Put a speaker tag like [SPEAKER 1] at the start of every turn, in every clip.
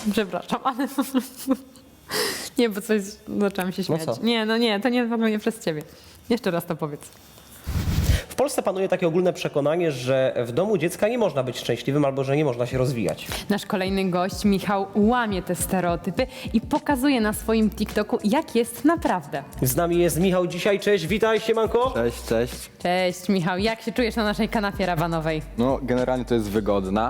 [SPEAKER 1] Przepraszam, ale po prostu... Nie, bo coś zaczęłam się śmiać.
[SPEAKER 2] co?
[SPEAKER 1] Nie, to nie w ogóle nie przez ciebie. Jeszcze raz to powiedz.
[SPEAKER 2] W Polsce panuje takie ogólne przekonanie, że w domu dziecka nie można być szczęśliwym albo że nie można się rozwijać.
[SPEAKER 1] Nasz kolejny gość, Michał, łamie te stereotypy i pokazuje na swoim TikToku, jak jest naprawdę.
[SPEAKER 2] Z nami jest Michał dzisiaj. Cześć, witaj, siemanko.
[SPEAKER 3] Cześć, cześć.
[SPEAKER 1] Cześć, Michał. Jak się czujesz na naszej kanapie rabanowej?
[SPEAKER 3] No, generalnie to jest wygodna.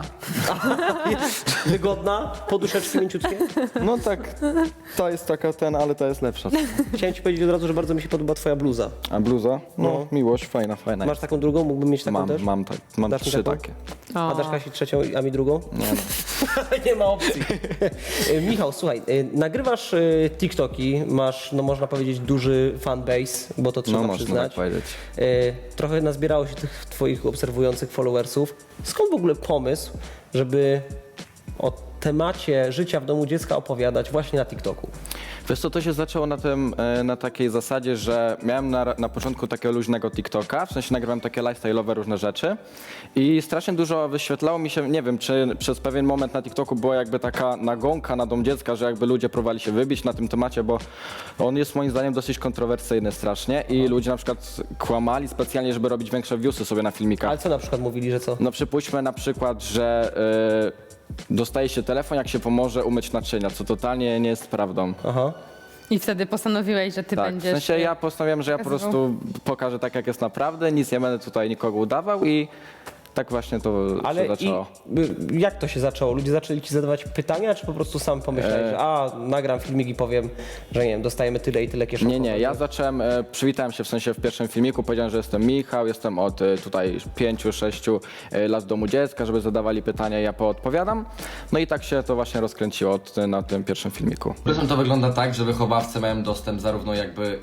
[SPEAKER 2] Wygodna, poduszeczki mięciutkie.
[SPEAKER 3] No tak, to jest taka ale ta jest lepsza.
[SPEAKER 2] Chciałem ci powiedzieć od razu, że bardzo mi się podoba twoja bluza.
[SPEAKER 3] A bluza? No,
[SPEAKER 2] No.
[SPEAKER 3] miłość, fajna.
[SPEAKER 2] Masz taką drugą? Mógłbym mieć taką też?
[SPEAKER 3] Mam
[SPEAKER 2] Dasz mi
[SPEAKER 3] 3
[SPEAKER 2] taką?
[SPEAKER 3] takie.
[SPEAKER 2] A dasz Kasi trzecią, a mi drugą?
[SPEAKER 3] Nie no.
[SPEAKER 2] Nie ma opcji. Michał, słuchaj, nagrywasz TikToki, masz, no można powiedzieć, duży fanbase, bo to trzeba
[SPEAKER 3] No można
[SPEAKER 2] przyznać.
[SPEAKER 3] tak powiedzieć.
[SPEAKER 2] Trochę nazbierało się tych twoich obserwujących followersów. Skąd w ogóle pomysł, żeby o temacie życia w domu dziecka opowiadać właśnie na TikToku?
[SPEAKER 3] Wiesz co, to się zaczęło na takiej zasadzie, że miałem na początku takiego luźnego TikToka, w sensie nagrywałem takie lifestyle'owe różne rzeczy i strasznie dużo wyświetlało mi się, nie wiem, czy przez pewien moment na TikToku była jakby taka nagonka na dom dziecka, że jakby ludzie próbowali się wybić na tym temacie, bo on jest moim zdaniem dosyć kontrowersyjny strasznie i ludzie na przykład kłamali specjalnie, żeby robić większe viewsy sobie na filmikach.
[SPEAKER 2] Ale co na przykład mówili, że co?
[SPEAKER 3] No przypuśćmy na przykład, że dostaje się telefon, jak się pomoże umyć naczynia, co totalnie nie jest prawdą.
[SPEAKER 2] Aha.
[SPEAKER 1] I wtedy postanowiłeś, że ty
[SPEAKER 3] Tak,
[SPEAKER 1] będziesz...
[SPEAKER 3] w sensie ja postanowiłem, że ja po
[SPEAKER 1] pokazywał.
[SPEAKER 3] prostu pokażę tak, jak jest naprawdę, nic nie będę tutaj nikogo udawał i tak właśnie to
[SPEAKER 2] Ale
[SPEAKER 3] się zaczęło.
[SPEAKER 2] jak to się zaczęło? Ludzie zaczęli ci zadawać pytania, czy po prostu sam pomyślałeś, że nagram filmik i powiem, że nie wiem, dostajemy tyle i tyle kieszonkowych?
[SPEAKER 3] Nie, ja zacząłem, przywitałem się w sensie w pierwszym filmiku, powiedziałem, że jestem Michał, jestem od tutaj 5-6 lat domu dziecka, żeby zadawali pytania, ja poodpowiadam. No i tak się to właśnie rozkręciło na tym pierwszym filmiku.
[SPEAKER 4] Powiedzmy, to wygląda tak, że wychowawcy mają dostęp zarówno jakby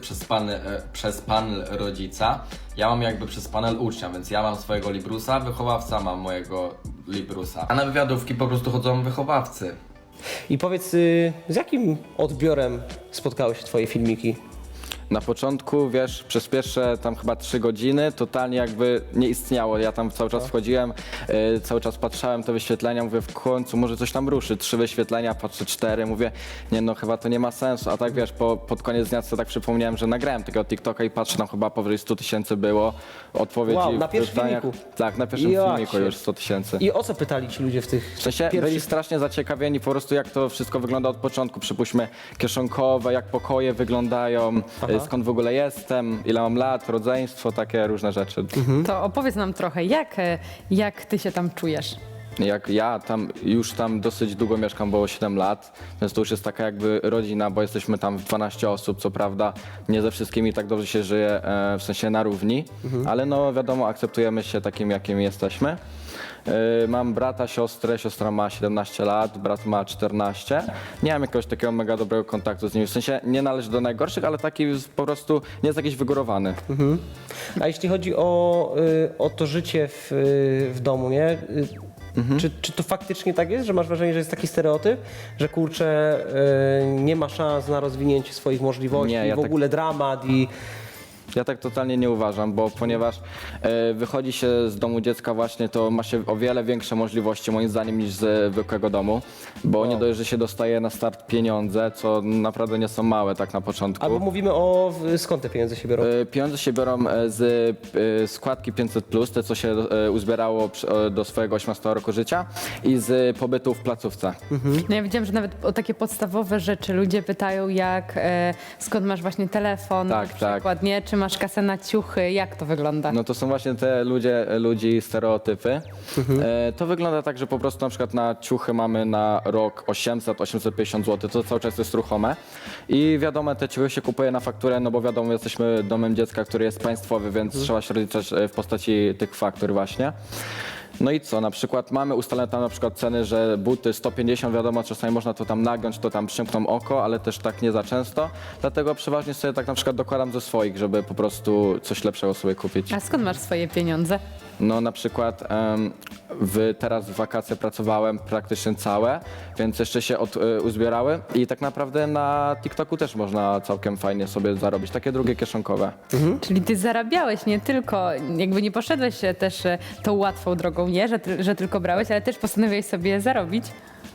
[SPEAKER 4] przez panel rodzica, ja mam jakby przez panel ucznia, więc ja mam swojego Librusa, wychowawca ma mojego Librusa. A na wywiadówki po prostu chodzą wychowawcy.
[SPEAKER 2] I powiedz, z jakim odbiorem spotkały się twoje filmiki?
[SPEAKER 3] Na początku, wiesz, przez pierwsze tam chyba 3 godziny totalnie jakby nie istniało. Ja tam cały czas wchodziłem, cały czas patrzałem te wyświetlenia, mówię w końcu może coś tam ruszy. 3 wyświetlenia, patrzę 4, mówię nie no chyba to nie ma sensu. A tak wiesz, pod koniec dnia sobie tak przypomniałem, że nagrałem tego TikToka i patrzę tam chyba powyżej 100 000 było odpowiedzi.
[SPEAKER 2] Wow, na
[SPEAKER 3] w
[SPEAKER 2] pierwszym
[SPEAKER 3] pytaniach.
[SPEAKER 2] filmiku?
[SPEAKER 3] Tak, na pierwszym
[SPEAKER 2] Ja
[SPEAKER 3] filmiku
[SPEAKER 2] cię.
[SPEAKER 3] już 100 000.
[SPEAKER 2] I o co pytali ci ludzie w tych
[SPEAKER 3] W sensie byli
[SPEAKER 2] pierwszych...
[SPEAKER 3] strasznie zaciekawieni po prostu jak to wszystko wygląda od początku. Przypuśćmy kieszonkowe, jak pokoje wyglądają, skąd w ogóle jestem, ile mam lat, rodzeństwo, takie różne rzeczy.
[SPEAKER 1] To opowiedz nam trochę, jak ty się tam czujesz?
[SPEAKER 3] Jak ja już tam dosyć długo mieszkam, bo 7 lat, więc to już jest taka jakby rodzina, bo jesteśmy tam w 12 osób, co prawda nie ze wszystkimi tak dobrze się żyje, w sensie na równi, ale no wiadomo, akceptujemy się takim, jakim jesteśmy. Mam brata, siostrę, siostra ma 17 lat, brat ma 14. Nie mam jakiegoś takiego mega dobrego kontaktu z nimi, w sensie nie należy do najgorszych, ale taki po prostu nie jest jakiś wygórowany.
[SPEAKER 2] A jeśli chodzi o to życie w domu, nie? Czy to faktycznie tak jest, że masz wrażenie, że jest taki stereotyp, że kurczę, nie ma szans na rozwinięcie swoich możliwości,
[SPEAKER 3] Nie, ja
[SPEAKER 2] w
[SPEAKER 3] tak-
[SPEAKER 2] ogóle dramat i...
[SPEAKER 3] Ja tak totalnie nie uważam, bo ponieważ wychodzi się z domu dziecka właśnie, to ma się o wiele większe możliwości moim zdaniem niż z zwykłego domu, bo nie dość, że się dostaje na start pieniądze, co naprawdę nie są małe tak na początku.
[SPEAKER 2] Albo mówimy skąd te pieniądze się biorą?
[SPEAKER 3] Pieniądze się biorą z składki 500+, te co się uzbierało do swojego 18 roku życia i z pobytu w placówce.
[SPEAKER 1] No ja widziałam, że nawet o takie podstawowe rzeczy ludzie pytają, skąd masz właśnie telefon,
[SPEAKER 3] Tak,
[SPEAKER 1] na
[SPEAKER 3] tak.
[SPEAKER 1] przykład, nie? Czy masz kasę na ciuchy, jak to wygląda?
[SPEAKER 3] No to są właśnie te ludzi stereotypy. To wygląda tak, że po prostu na przykład na ciuchy mamy na rok 800-850 zł, to cały czas jest ruchome. I wiadomo, te ciuchy się kupuje na fakturę, no bo wiadomo, jesteśmy domem dziecka, który jest państwowy, więc trzeba się rozliczać w postaci tych faktur właśnie. No i co, na przykład mamy ustalone tam na przykład ceny, że buty 150, wiadomo, czasami można to tam nagiąć, to tam przymkną oko, ale też tak nie za często. Dlatego przeważnie sobie tak na przykład dokładam ze swoich, żeby po prostu coś lepszego sobie kupić.
[SPEAKER 1] A skąd masz swoje pieniądze?
[SPEAKER 3] No na przykład teraz w wakacje pracowałem praktycznie całe, więc jeszcze się uzbierały i tak naprawdę na TikToku też można całkiem fajnie sobie zarobić, takie drugie kieszonkowe.
[SPEAKER 1] Czyli ty zarabiałeś nie tylko, jakby nie poszedłeś też tą łatwą drogą, nie? Że tylko brałeś, ale też postanowiłeś sobie zarobić.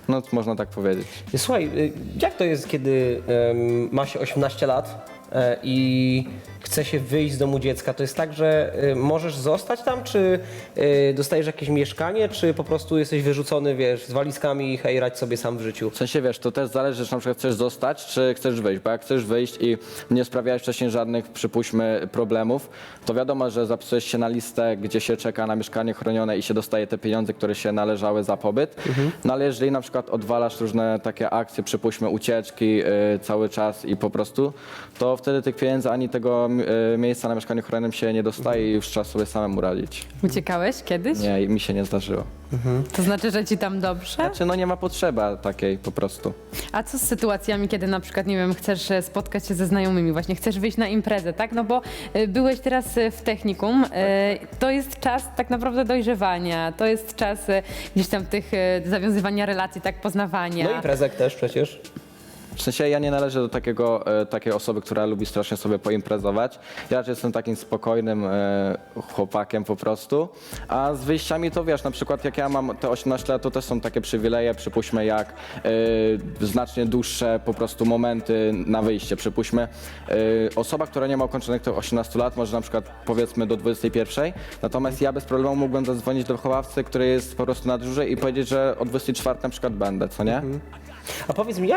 [SPEAKER 3] No można tak powiedzieć.
[SPEAKER 2] Słuchaj, jak to jest, kiedy ma się 18 lat i chce się wyjść z domu dziecka? To jest tak, że możesz zostać tam, czy dostajesz jakieś mieszkanie, czy po prostu jesteś wyrzucony, wiesz, z walizkami i hej, radź sobie sam w życiu?
[SPEAKER 3] W sensie, wiesz, to też zależy, czy na przykład chcesz zostać, czy chcesz wyjść, bo jak chcesz wyjść i nie sprawiałeś wcześniej żadnych, przypuśćmy, problemów, to wiadomo, że zapisujesz się na listę, gdzie się czeka na mieszkanie chronione i się dostaje te pieniądze, które się należały za pobyt. No ale jeżeli na przykład odwalasz różne takie akcje, przypuśćmy ucieczki cały czas i po prostu, to wtedy tych pieniędzy ani tego miejsca na mieszkaniu chronionym się nie dostaje i już trzeba sobie samemu radzić.
[SPEAKER 1] Uciekałeś kiedyś?
[SPEAKER 3] Nie, mi się nie zdarzyło.
[SPEAKER 1] To znaczy, że ci tam dobrze?
[SPEAKER 3] Znaczy, no nie ma potrzeby takiej po prostu.
[SPEAKER 1] A co z sytuacjami, kiedy na przykład, nie wiem, chcesz spotkać się ze znajomymi, właśnie chcesz wyjść na imprezę, tak? No bo byłeś teraz w technikum, to jest czas tak naprawdę dojrzewania, to jest czas gdzieś tam tych zawiązywania relacji, tak, poznawania.
[SPEAKER 2] No i prezek też przecież.
[SPEAKER 3] W sensie ja nie należę do takiej osoby, która lubi strasznie sobie poimprezować. Ja raczej jestem takim spokojnym chłopakiem po prostu. A z wyjściami to wiesz, na przykład jak ja mam te 18 lat, to też są takie przywileje, przypuśćmy jak znacznie dłuższe po prostu momenty na wyjście. Przypuśćmy osoba, która nie ma ukończonych tych 18 lat może na przykład powiedzmy do 21, natomiast ja bez problemu mógłbym zadzwonić do wychowawcy, który jest po prostu na dyżurze i powiedzieć, że o 24 na przykład będę, co nie?
[SPEAKER 2] A powiedz mi,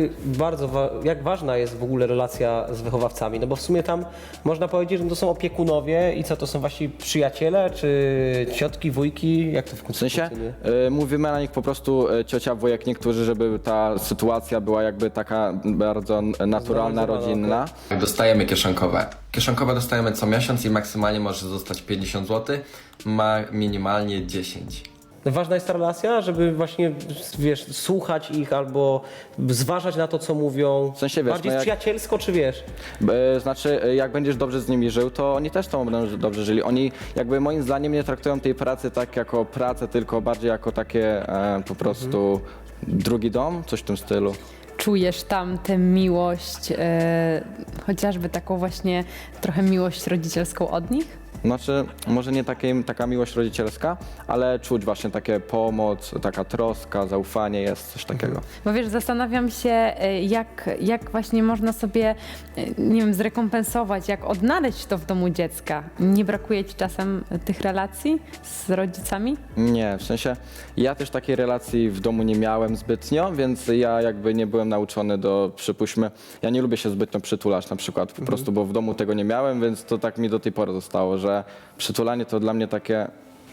[SPEAKER 2] jak ważna jest w ogóle relacja z wychowawcami? No bo w sumie tam można powiedzieć, że to są opiekunowie i co, to są właśnie przyjaciele, czy ciotki, wujki? Jak to
[SPEAKER 3] W sensie
[SPEAKER 2] funkcjonuje?
[SPEAKER 3] mówimy na nich po prostu ciocia, wujek, niektórzy, żeby ta sytuacja była jakby taka bardzo naturalna,
[SPEAKER 2] Znormalizowana,
[SPEAKER 3] rodzinna.
[SPEAKER 4] Dostajemy kieszonkowe. Kieszonkowe dostajemy co miesiąc i maksymalnie może zostać 50 zł, ma minimalnie 10.
[SPEAKER 2] Ważna jest ta relacja, żeby właśnie, wiesz, słuchać ich albo zważać na to, co mówią.
[SPEAKER 3] W sensie, wiesz,
[SPEAKER 2] bardziej
[SPEAKER 3] no jak-
[SPEAKER 2] przyjacielsko, czy wiesz?
[SPEAKER 3] Znaczy, jak będziesz dobrze z nimi żył, to oni też z tobą będą dobrze żyli. Oni jakby moim zdaniem nie traktują tej pracy tak jako pracę, tylko bardziej jako takie po prostu drugi dom, coś w tym stylu.
[SPEAKER 1] Czujesz tam tę miłość, chociażby taką właśnie trochę miłość rodzicielską od nich?
[SPEAKER 3] Znaczy, może nie taka miłość rodzicielska, ale czuć właśnie takie pomoc, taka troska, zaufanie jest, coś takiego.
[SPEAKER 1] Bo wiesz, zastanawiam się, jak właśnie można sobie, nie wiem, zrekompensować, jak odnaleźć to w domu dziecka. Nie brakuje ci czasem tych relacji z rodzicami?
[SPEAKER 3] Nie, w sensie ja też takiej relacji w domu nie miałem zbytnio, więc ja jakby nie byłem nauczony przypuśćmy, ja nie lubię się zbytnio przytulać na przykład, po prostu, bo w domu tego nie miałem, więc to tak mi do tej pory zostało, że przytulanie to dla mnie takie.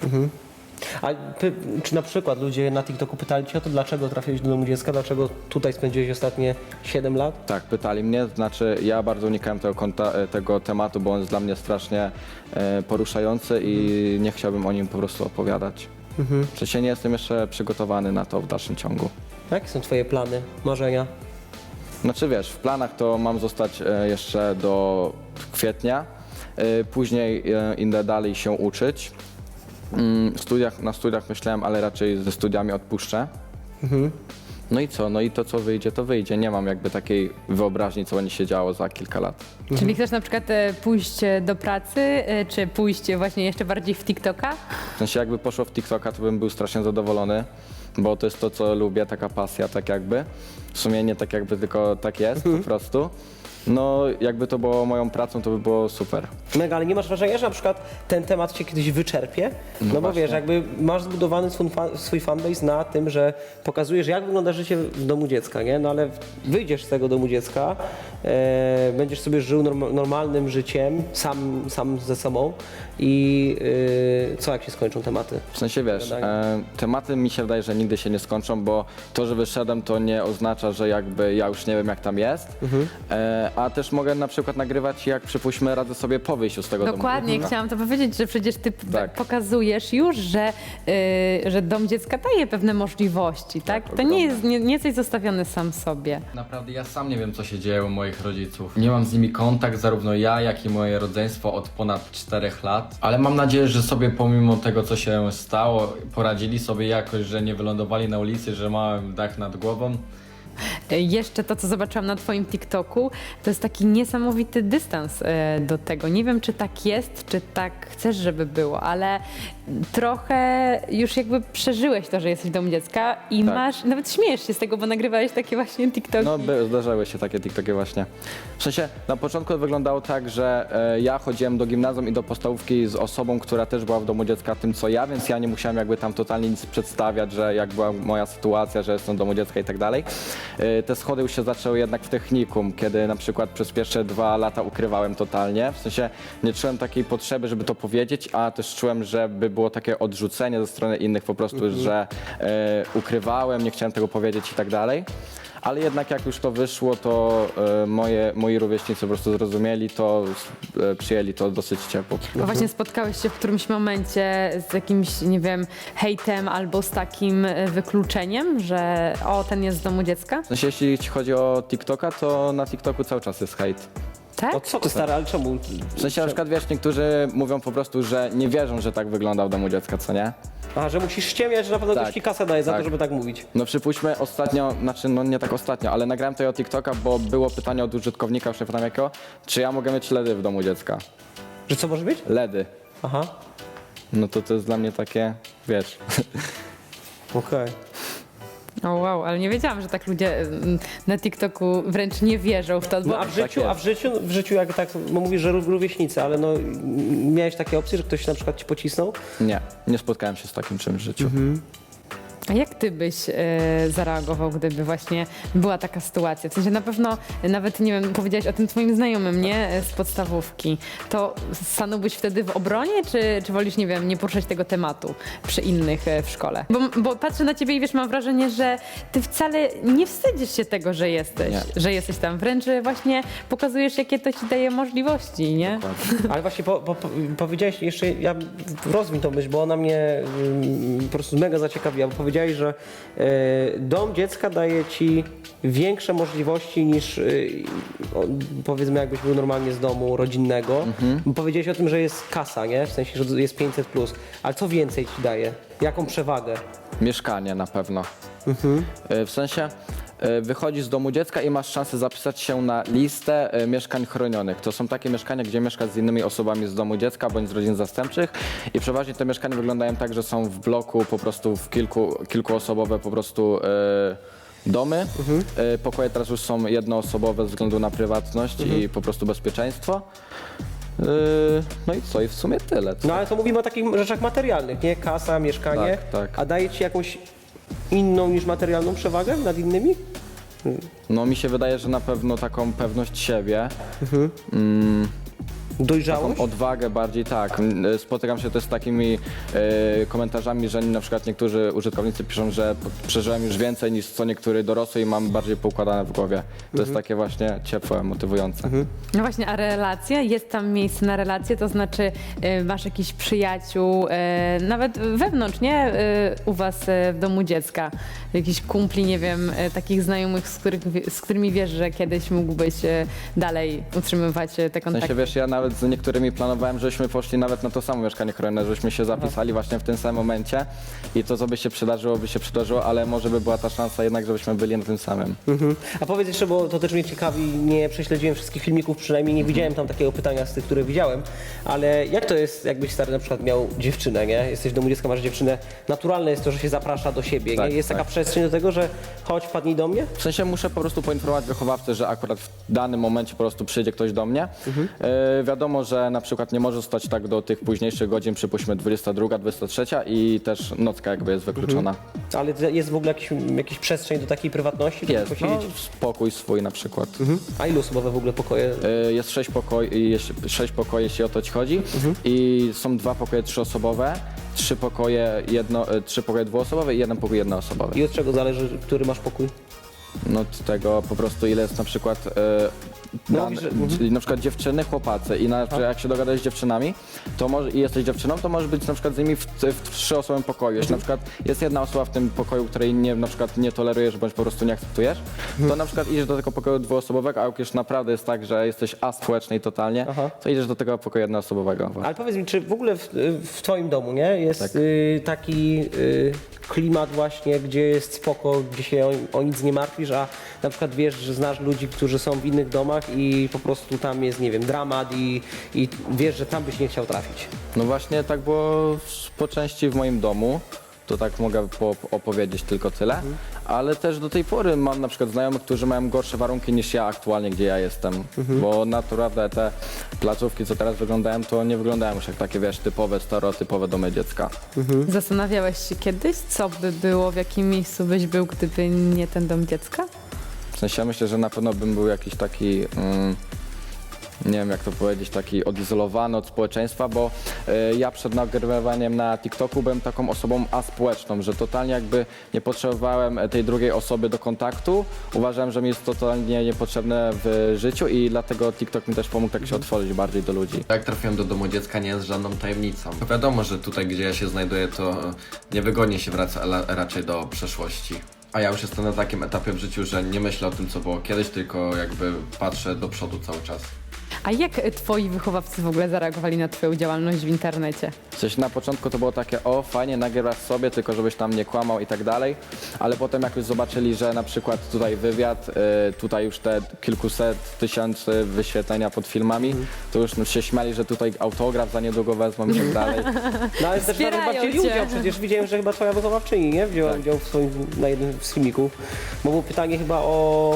[SPEAKER 2] A czy na przykład ludzie na TikToku pytali cię o to, dlaczego trafiłeś do domu dziecka, dlaczego tutaj spędziłeś ostatnie 7 lat?
[SPEAKER 3] Tak, pytali mnie, znaczy ja bardzo unikałem tego tematu, bo on jest dla mnie strasznie poruszający i nie chciałbym o nim po prostu opowiadać. W sensie nie jestem jeszcze przygotowany na to w dalszym ciągu.
[SPEAKER 2] Jakie są twoje plany, marzenia?
[SPEAKER 3] Znaczy wiesz, w planach to mam zostać jeszcze do kwietnia, później idę dalej się uczyć. Na studiach myślałem, ale raczej ze studiami odpuszczę. No i co? No i to co wyjdzie, to wyjdzie. Nie mam jakby takiej wyobraźni, co będzie się działo za kilka lat.
[SPEAKER 1] Czyli chcesz na przykład pójść do pracy, czy pójść właśnie jeszcze bardziej w TikToka?
[SPEAKER 3] W sensie jakby poszło w TikToka, to bym był strasznie zadowolony, bo to jest to, co lubię, taka pasja, tak jakby. W sumie nie tak jakby, tylko tak jest po prostu. No jakby to było moją pracą, to by było super.
[SPEAKER 2] Mega, ale nie masz wrażenia, że na przykład ten temat cię kiedyś wyczerpie? No bo
[SPEAKER 3] właśnie.
[SPEAKER 2] wiesz, jakby masz zbudowany swój fanbase na tym, że pokazujesz, jak wygląda życie w domu dziecka, nie? No ale wyjdziesz z tego domu dziecka, będziesz sobie żył normalnym życiem, sam ze sobą i co, jak się skończą tematy?
[SPEAKER 3] W sensie wiesz,
[SPEAKER 2] Gadanie.
[SPEAKER 3] tematy mi się wydaje, że nigdy się nie skończą, bo to, że wyszedłem, to nie oznacza, że jakby ja już nie wiem, jak tam jest. A też mogę na przykład nagrywać, jak przypuśćmy radzę sobie po wyjściu z tego domu.
[SPEAKER 1] Dokładnie, chciałam to powiedzieć, że przecież ty
[SPEAKER 3] Tak.
[SPEAKER 1] pokazujesz już, że dom dziecka daje pewne możliwości, tak? To
[SPEAKER 3] ogromne.
[SPEAKER 1] nie jest nie jesteś zostawiony sam sobie.
[SPEAKER 4] Naprawdę ja sam nie wiem, co się dzieje u moich rodziców. Nie mam z nimi kontakt, zarówno ja, jak i moje rodzeństwo od ponad 4 lat. Ale mam nadzieję, że sobie pomimo tego, co się stało, poradzili sobie jakoś, że nie wylądowali na ulicy, że mam dach nad głową.
[SPEAKER 1] Jeszcze to, co zobaczyłam na twoim TikToku, to jest taki niesamowity dystans do tego. Nie wiem, czy tak jest, czy tak chcesz, żeby było, ale trochę już jakby przeżyłeś to, że jesteś w domu dziecka i
[SPEAKER 3] Tak.
[SPEAKER 1] masz, nawet śmiejesz się z tego, bo nagrywałeś takie właśnie TikToki.
[SPEAKER 3] No, zdarzały się takie TikToki właśnie. W sensie, na początku wyglądało tak, że ja chodziłem do gimnazjum i do podstawówki z osobą, która też była w domu dziecka tym, co ja, więc ja nie musiałem jakby tam totalnie nic przedstawiać, że jak była moja sytuacja, że jestem w domu dziecka i tak dalej. Te schody już się zaczęły jednak w technikum, kiedy na przykład przez pierwsze 2 lata ukrywałem totalnie. W sensie, nie czułem takiej potrzeby, żeby to powiedzieć, a też czułem, żeby było takie odrzucenie ze strony innych po prostu, że ukrywałem, nie chciałem tego powiedzieć i tak dalej. Ale jednak jak już to wyszło, to moi rówieśnicy po prostu zrozumieli to, przyjęli to dosyć ciepło.
[SPEAKER 1] A właśnie spotkałeś się w którymś momencie z jakimś, nie wiem, hejtem albo z takim wykluczeniem, że ten jest z domu dziecka?
[SPEAKER 3] W sensie, jeśli chodzi o TikToka, to na TikToku cały czas jest hejt.
[SPEAKER 1] Tak?
[SPEAKER 2] O co ty stary, ale czemu?
[SPEAKER 3] W sensie na przykład, wiesz, niektórzy mówią po prostu, że nie wierzą, że tak wygląda w domu dziecka, co nie?
[SPEAKER 2] A, że musisz ściemniać, że na pewno
[SPEAKER 3] Tak.
[SPEAKER 2] ktoś ci kasę daje za to,
[SPEAKER 3] Tak.
[SPEAKER 2] żeby tak mówić.
[SPEAKER 3] No przypuśćmy ostatnio, znaczy no nie tak ostatnio, ale nagrałem tego TikToka, bo było pytanie od użytkownika, już nie pamiętam jakiego, czy ja mogę mieć LEDy w domu dziecka.
[SPEAKER 2] Że co może być?
[SPEAKER 3] LEDy.
[SPEAKER 2] Aha,
[SPEAKER 3] No to jest dla mnie takie, wiesz...
[SPEAKER 2] okej.
[SPEAKER 1] O wow, ale nie wiedziałam, że tak ludzie na TikToku wręcz nie wierzą w to.
[SPEAKER 2] No
[SPEAKER 1] Bo
[SPEAKER 2] a w życiu jak tak, bo mówisz, że rówieśnicy, ale no miałeś takie opcje, że ktoś na przykład ci pocisnął?
[SPEAKER 3] Nie spotkałem się z takim czymś w życiu.
[SPEAKER 1] A jak ty byś zareagował, gdyby właśnie była taka sytuacja? W sensie na pewno, nawet nie wiem, powiedziałeś o tym twoim znajomym, nie? Z podstawówki. To stanąłbyś wtedy w obronie, czy wolisz, nie wiem, nie poruszać tego tematu przy innych w szkole? Bo patrzę na ciebie i wiesz, mam wrażenie, że ty wcale nie wstydzisz się tego, że jesteś tam. Wręcz właśnie pokazujesz, jakie to ci daje możliwości, nie?
[SPEAKER 2] Ale właśnie powiedziałeś jeszcze, ja rozwin tą myśl, bo ona mnie po prostu mega zaciekawiła, bo powiedziałeś, że dom dziecka daje ci większe możliwości niż powiedzmy jakbyś był normalnie z domu rodzinnego. Bo powiedziałeś o tym, że jest kasa, nie? W sensie, że jest 500+. Ale co więcej ci daje? Jaką przewagę?
[SPEAKER 3] Mieszkanie na pewno. W sensie wychodzisz z domu dziecka i masz szansę zapisać się na listę mieszkań chronionych. To są takie mieszkania, gdzie mieszkasz z innymi osobami z domu dziecka bądź z rodzin zastępczych i przeważnie te mieszkania wyglądają tak, że są w bloku po prostu w kilkuosobowe po prostu domy. Pokoje teraz już są jednoosobowe ze względu na prywatność i po prostu bezpieczeństwo. No i co? I w sumie tyle.
[SPEAKER 2] No ale to mówimy o takich rzeczach materialnych, nie? Kasa, mieszkanie.
[SPEAKER 3] Tak.
[SPEAKER 2] A daje ci jakąś inną niż materialną przewagę nad innymi?
[SPEAKER 3] No mi się wydaje, że na pewno taką pewność siebie.
[SPEAKER 2] Dojrzałość?
[SPEAKER 3] Taką odwagę bardziej, tak. Spotykam się też z takimi komentarzami, że na przykład niektórzy użytkownicy piszą, że przeżyłem już więcej niż co niektóry dorosły i mam bardziej poukładane w głowie. To jest takie właśnie ciepłe, motywujące.
[SPEAKER 1] No właśnie, a relacje? Jest tam miejsce na relacje? To znaczy masz jakichś przyjaciół, nawet wewnątrz, nie? U was w domu dziecka. Jakichś kumpli, nie wiem, takich znajomych, z którymi wiesz, że kiedyś mógłbyś dalej utrzymywać te
[SPEAKER 3] W
[SPEAKER 1] kontakty.
[SPEAKER 3] sensie, wiesz, ja nawet z niektórymi planowałem, żebyśmy poszli nawet na to samo mieszkanie chronione, żebyśmy się zapisali właśnie w tym samym momencie i to, co by się przydarzyło, ale może by była ta szansa jednak, żebyśmy byli na tym samym.
[SPEAKER 2] A powiedz jeszcze, bo to też mnie ciekawi, nie prześledziłem wszystkich filmików, przynajmniej nie widziałem tam takiego pytania z tych, które widziałem, ale jak to jest, jakbyś stary na przykład miał dziewczynę, nie? Jesteś w domu dziecka, masz dziewczynę, naturalne jest to, że się zaprasza do siebie,
[SPEAKER 3] Tak,
[SPEAKER 2] nie? Jest taka
[SPEAKER 3] tak.
[SPEAKER 2] przestrzeń do tego, że chodź, wpadnij do mnie?
[SPEAKER 3] W sensie muszę po prostu poinformować wychowawcę, że akurat w danym momencie po prostu przyjdzie ktoś do mnie. Wiadomo, że na przykład nie może zostać tak do tych późniejszych godzin, przypuśćmy 22, 23 i też nocka jakby jest wykluczona.
[SPEAKER 2] Ale jest w ogóle jakiś przestrzeń do takiej prywatności? żeby
[SPEAKER 3] Jest, no,
[SPEAKER 2] posiedzieć?
[SPEAKER 3] spokój swój na przykład.
[SPEAKER 2] A ilu osobowe w ogóle pokoje?
[SPEAKER 3] Jest 6 pokoi, jeśli o to ci chodzi i są 2 pokoje 3-osobowe, 3 pokoje 2-osobowe i 1 pokój 1-osobowy.
[SPEAKER 2] I od czego zależy, który masz pokój?
[SPEAKER 3] No od tego po prostu ile jest na przykład czyli na przykład dziewczyny, chłopacy i jak się dogadasz z dziewczynami, to i jesteś dziewczyną, to możesz być na przykład z nimi w 3-osobowym pokoju. Jeśli na przykład jest jedna osoba w tym pokoju, której na przykład nie tolerujesz bądź po prostu nie akceptujesz, to na przykład idziesz do tego pokoju 2-osobowego, a jak już naprawdę jest tak, że jesteś aspołeczny totalnie, to idziesz do tego pokoju 1-osobowego.
[SPEAKER 2] Ale powiedz mi, czy w ogóle w twoim domu, nie, jest
[SPEAKER 3] Tak.
[SPEAKER 2] taki klimat właśnie, gdzie jest spoko, gdzie się o nic nie martwisz, a na przykład wiesz, że znasz ludzi, którzy są w innych domach i po prostu tam jest, nie wiem, dramat i wiesz, że tam byś nie chciał trafić.
[SPEAKER 3] No właśnie tak było po części w moim domu, to tak mogę opowiedzieć tylko tyle, ale też do tej pory mam na przykład znajomych, którzy mają gorsze warunki niż ja aktualnie, gdzie ja jestem, bo naprawdę te placówki, co teraz wyglądają, to nie wyglądają już jak takie, wiesz, typowe, stereotypowe domy dziecka.
[SPEAKER 1] Zastanawiałeś się kiedyś, co by było, w jakim miejscu byś był, gdyby nie ten dom dziecka?
[SPEAKER 3] W sensie ja myślę, że na pewno bym był jakiś taki, nie wiem jak to powiedzieć, taki odizolowany od społeczeństwa, bo ja przed nagrywaniem na TikToku byłem taką osobą aspołeczną, że totalnie jakby nie potrzebowałem tej drugiej osoby do kontaktu. Uważałem, że mi jest totalnie niepotrzebne w życiu i dlatego TikTok mi też pomógł tak się otworzyć bardziej do ludzi.
[SPEAKER 4] Jak trafiłem do domu dziecka, nie jest żadną tajemnicą. No wiadomo, że tutaj, gdzie ja się znajduję, to niewygodnie się wraca raczej do przeszłości. A ja już jestem na takim etapie w życiu, że nie myślę o tym, co było kiedyś, tylko jakby patrzę do przodu cały czas.
[SPEAKER 1] A jak twoi wychowawcy w ogóle zareagowali na twoją działalność w internecie?
[SPEAKER 3] W sensie na początku to było takie, o fajnie, nagrywasz sobie, tylko żebyś tam nie kłamał i tak dalej, ale potem jak już zobaczyli, że na przykład tutaj wywiad, tutaj już te kilkuset tysięcy wyświetlenia pod filmami, to już się śmiali, że tutaj autograf za niedługo wezmą i tak dalej.
[SPEAKER 2] No ale też nawet
[SPEAKER 1] Wspierają
[SPEAKER 2] bardziej
[SPEAKER 1] cię.
[SPEAKER 2] udział, przecież widziałem, że chyba twoja wychowawczyni, nie? Wzięła udział na jednym z filmików, bo było pytanie chyba o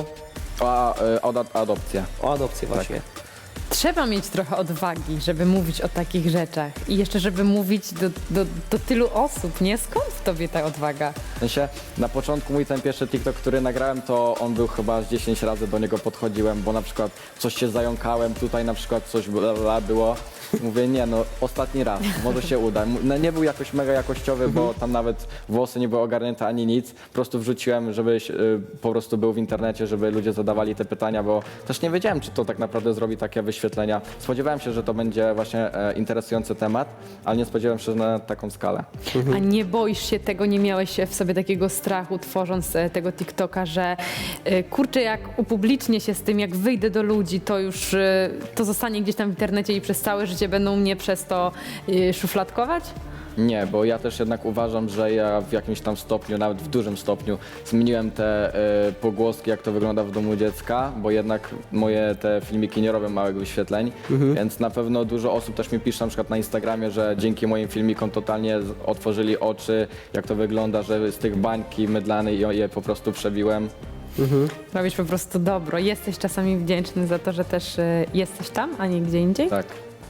[SPEAKER 3] Adopcję.
[SPEAKER 2] adopcję właśnie.
[SPEAKER 1] Trzeba mieć trochę odwagi, żeby mówić o takich rzeczach i jeszcze, żeby mówić do tylu osób, nie? Skąd w tobie ta odwaga?
[SPEAKER 3] W sensie na początku mój ten pierwszy TikTok, który nagrałem, to on był chyba z 10 razy do niego podchodziłem, bo na przykład coś się zająkałem, tutaj na przykład coś było. Mówię, nie no, ostatni raz, może się uda. No, nie był jakoś mega jakościowy, bo tam nawet włosy nie były ogarnięte ani nic. Po prostu wrzuciłem, żebyś po prostu był w internecie, żeby ludzie zadawali te pytania, bo też nie wiedziałem, czy to tak naprawdę zrobi takie wyświetlenia. Spodziewałem się, że to będzie właśnie interesujący temat, ale nie spodziewałem się na taką skalę.
[SPEAKER 1] A nie boisz się tego, nie miałeś w sobie takiego strachu, tworząc tego TikToka, że kurczę, jak upublicznię się z tym, jak wyjdę do ludzi, to już to zostanie gdzieś tam w internecie i przez całe życie będą mnie przez to szufladkować?
[SPEAKER 3] Nie, bo ja też jednak uważam, że ja w jakimś tam stopniu, nawet w dużym stopniu zmieniłem te pogłoski, jak to wygląda w domu dziecka, bo jednak moje te filmiki nie robią małych wyświetleń, więc na pewno dużo osób też mi pisze na przykład na Instagramie, że dzięki moim filmikom totalnie otworzyli oczy, jak to wygląda, że z tych bańki mydlanej je po prostu przebiłem.
[SPEAKER 1] Robisz po prostu dobro. Jesteś czasami wdzięczny za to, że też jesteś tam, a nie gdzie indziej?
[SPEAKER 3] Tak.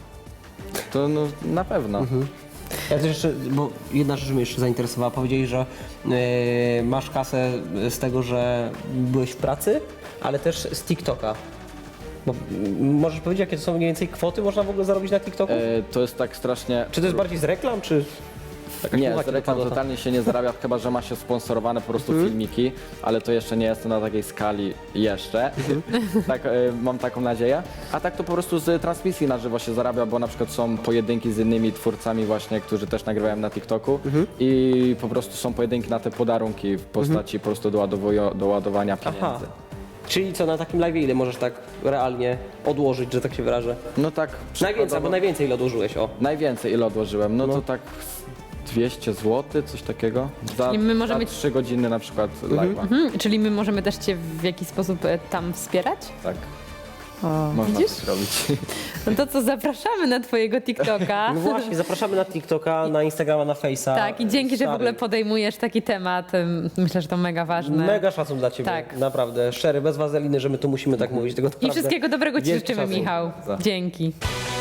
[SPEAKER 3] To no, na pewno.
[SPEAKER 2] Ja też jeszcze, bo jedna rzecz mnie jeszcze zainteresowała, powiedzieli, że masz kasę z tego, że byłeś w pracy, ale też z TikToka. Bo, możesz powiedzieć, jakie to są mniej więcej kwoty można w ogóle zarobić na TikToku?
[SPEAKER 3] To jest tak strasznie...
[SPEAKER 2] Czy to jest bardziej z reklam, czy...
[SPEAKER 3] Nie,
[SPEAKER 2] suma
[SPEAKER 3] z
[SPEAKER 2] ci
[SPEAKER 3] reklam
[SPEAKER 2] dopadła?
[SPEAKER 3] totalnie się nie zarabia, chyba że ma się sponsorowane po prostu filmiki, ale to jeszcze nie jest to na takiej skali jeszcze. Tak, mam taką nadzieję. A tak to po prostu z transmisji na żywo się zarabia, bo na przykład są pojedynki z innymi twórcami właśnie, którzy też nagrywają na TikToku i po prostu są pojedynki na te podarunki w postaci po prostu do ładowania pieniędzy.
[SPEAKER 2] Aha. Czyli co, na takim live ile możesz tak realnie odłożyć, że tak się wyrażę?
[SPEAKER 3] No tak
[SPEAKER 2] Najwięcej, albo najwięcej ile odłożyłeś, o.
[SPEAKER 3] najwięcej ile odłożyłem, no to tak 200 zł, coś takiego. Za,
[SPEAKER 1] Czyli my możemy-
[SPEAKER 3] za 3 godziny na przykład live'a.
[SPEAKER 1] Czyli my możemy też cię w jakiś sposób tam wspierać?
[SPEAKER 3] Tak,
[SPEAKER 1] O,
[SPEAKER 3] można
[SPEAKER 1] widzisz?
[SPEAKER 3] to zrobić.
[SPEAKER 1] No to co, zapraszamy na twojego TikToka.
[SPEAKER 2] No właśnie, zapraszamy na TikToka, na Instagrama, na Face'a.
[SPEAKER 1] Tak, i dzięki, że w
[SPEAKER 2] Stary,
[SPEAKER 1] ogóle podejmujesz taki temat. Myślę, że to mega ważne.
[SPEAKER 2] Mega szacun dla Ciebie,
[SPEAKER 1] Tak.
[SPEAKER 2] naprawdę, szczery, bez wazeliny, że my tu musimy tak mówić. Tego
[SPEAKER 1] I
[SPEAKER 2] naprawdę
[SPEAKER 1] wszystkiego dobrego ci
[SPEAKER 2] wielki
[SPEAKER 1] życzymy,
[SPEAKER 2] szacun.
[SPEAKER 1] Michał.
[SPEAKER 3] Za.
[SPEAKER 1] Dzięki.